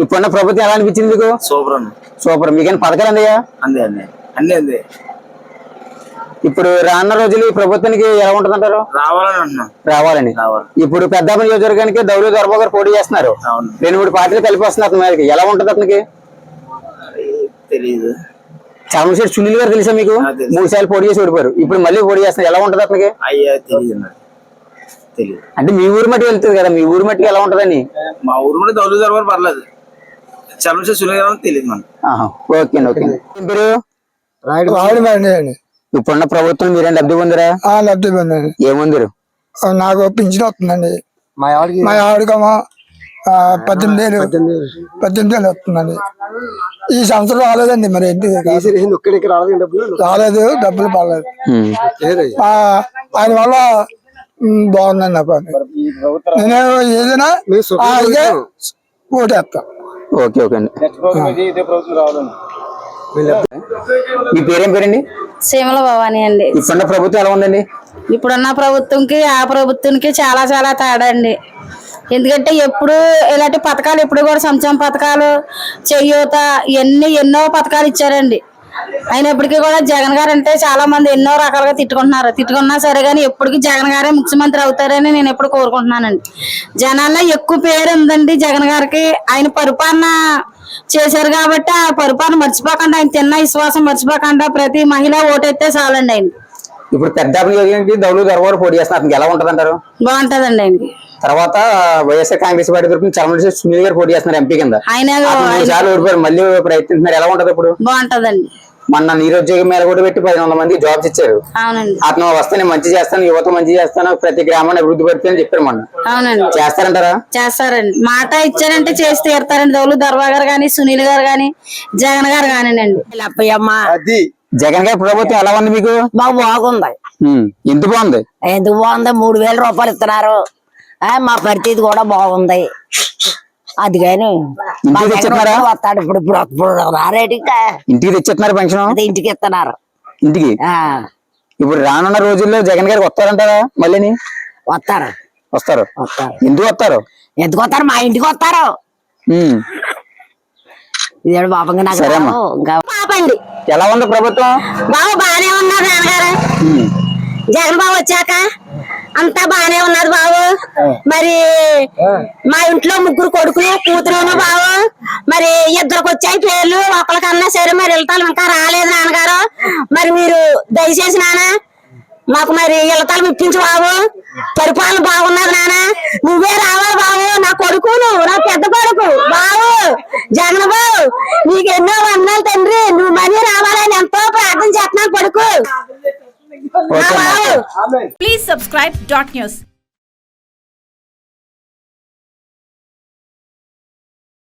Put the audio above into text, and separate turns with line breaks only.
ఇప్పుడున్న ప్రభుత్వం ఎలా అనిపించింది మీకు?
Super
super. మీకైనా పథకాలు అందాయా?
అందే.
ఇప్పుడు రానున్న రోజులు ఈ ప్రభుత్వానికి ఎలా ఉంటుంది అంటారు? రావాలని. ఇప్పుడు పెద్దాపురం నియోజకవర్గానికి దౌలు దొరబాబు గారు పోటీ చేస్తున్నారు. 2-3 పార్టీలు కలిపి వస్తున్నారు మీదకి. ఎలా ఉంటుంది అతనికి?
తెలియదు.
చంద్రశేఖర్ సునీల్ గారు తెలుసా మీకు? 3 సార్లు పోటీ చేసి ఓడిపోయారు. ఇప్పుడు మళ్ళీ పోటీ చేస్తున్నారు. ఎలా ఉంటుంది అతనికి? అంటే మీ ఊరు మట్టి వెళ్తుంది కదా, మీ ఊరు మట్టికి ఎలా ఉంటదని?
మా ఊరు మట్టి దౌలు దొరబాబు పర్లేదు, చంద్రశేఖర్ సునీల్ గారు తెలియదు మనకి.
ఓకే. ఇప్పుడున్న ప్రభుత్వం మీరేం లబ్ధి పొందిరా?
లబ్ధి పొందండి.
ఏముందిరు?
నాకు పింఛన్ వస్తుందండి. మా ఆవిడకేమో 18,000 వస్తుందండి. ఈ సంవత్సరం రాలేదండి. మరి ఏంటి రాలేదు, డబ్బులు పడలేదు. ఆయన వల్ల బాగుందండి నాకు. నేను ఏదైనా ఓటేస్తా.
ఓకే అండి. మీ పేరేం పేరండి?
సీమల భవాని అండి.
ఇప్పుడున్న ప్రభుత్వం ఎలా ఉందండి?
ఇప్పుడున్న ప్రభుత్వంకి ఆ ప్రభుత్వానికి చాలా చాలా తేడా అండి. ఎందుకంటే ఎప్పుడు ఇలాంటి పథకాలు ఎప్పుడు కూడా సంక్షేమ పథకాలు, చేయూత, ఎన్నో పథకాలు ఇచ్చారండి. అయినప్పటికీ కూడా జగన్ గారు అంటే చాలా మంది ఎన్నో రకాలుగా తిట్టుకున్నా సరే కానీ ఎప్పటికీ జగన్ గారే ముఖ్యమంత్రి అవుతారని నేను ఎప్పుడు కోరుకుంటున్నానండి. జనాల్లో ఎక్కువ పేరు ఉందండి జగన్ గారికి. ఆయన పరిపాలన చేశారు కాబట్టి ఆ పరిపాలన మర్చిపోకుండా, ఆయన తిన్న విశ్వాసం మర్చిపోకుండా ప్రతి మహిళ ఓటైతే చాలండి. ఆయన
ఇప్పుడు పెద్దాపురం దౌలు దొరబాబు పోటీ చేస్తున్నారు. ఎలా ఉంటది అంటారు?
బాగుంటదండి. ఆయనకి
తర్వాత వైఎస్ఆర్ కాంగ్రెస్ పార్టీ తరఫున చంద్రశేఖర్ సునీల్ గారు పోటీ చేస్తున్నారు ఎంపీ కింద.
ఆయన
ఓడిపోయారు, మళ్ళీ ప్రయత్నిస్తున్నారు. ఎలా ఉంటది ఇప్పుడు?
బాగుంటదండి.
మొన్న నిరుద్యోగ మేర కూడా పెట్టి 10,000 మంది జాబ్స్ ఇచ్చారు.
అవునండి.
అతను వస్తే నేను మంచి చేస్తాను, యువత మంచి చేస్తాను, ప్రతి గ్రామాన్ని అభివృద్ధి పడుతుందని చెప్పారు మొన్న.
అవునండి.
చేస్తారంటారా?
చేస్తారండి. మాట ఇచ్చారంటే చేసి తీరుతారండి. దౌలు దర్బాబు గారు గాని, సునీల్ గారు గాని, జగన్ గారు కానివ్వండి.
జగన్ గారి ప్రభుత్వం ఎలా ఉంది మీకు?
బాగుంది.
ఎందుకు బాగుంది?
3,000 రూపాయలు ఇస్తున్నారు. మా పరిస్థితి కూడా బాగుంది. అది కానీ వస్తాడు ఇప్పుడు రారేటిగా
ఇంటికి తెచ్చేస్తున్నారు పెన్షన్.
ఇంటికి ఇస్తున్నారు.
ఇంటికి ఇప్పుడు రానున్న రోజుల్లో జగన్ గారికి వస్తారంటారా? మళ్ళీ వస్తారు. ఎందుకు వస్తారు?
మా ఇంటికి వస్తారు. ఇదేడు బాబంగా
పాపండి.
ఎలా ఉంది ప్రభుత్వం?
బాగానే ఉన్నారు నాన్నగారు. జగన్ బాబు వచ్చాక అంతా బాగానే ఉన్నది బాబు. మరి మా ఇంట్లో 3 కొడుకులు, కూతురును బాబు. మరి 2కి వచ్చాయి పేర్లు. ఒకరికన్నా సరే మరి ఇళ్ళతాలు ఇంకా రాలేదు నాన్నగారు. మరి మీరు దయచేసి నాన్న మాకు మరి ఇళ్ళతాలు ఇప్పించు బాబు. పరిపాలన బాగున్నది నాన్న. నువ్వే రావాలి బాబు. నా కొడుకును, నా పెద్ద కొడుకు బాబు జగన్ బాబు. నీకు ఎన్నో వందనాలు తండ్రి. నువ్వు మనీ రావాలని ఎంతో ప్రార్థన చేస్తున్నాను కొడుకు.
Please subscribe Dot News.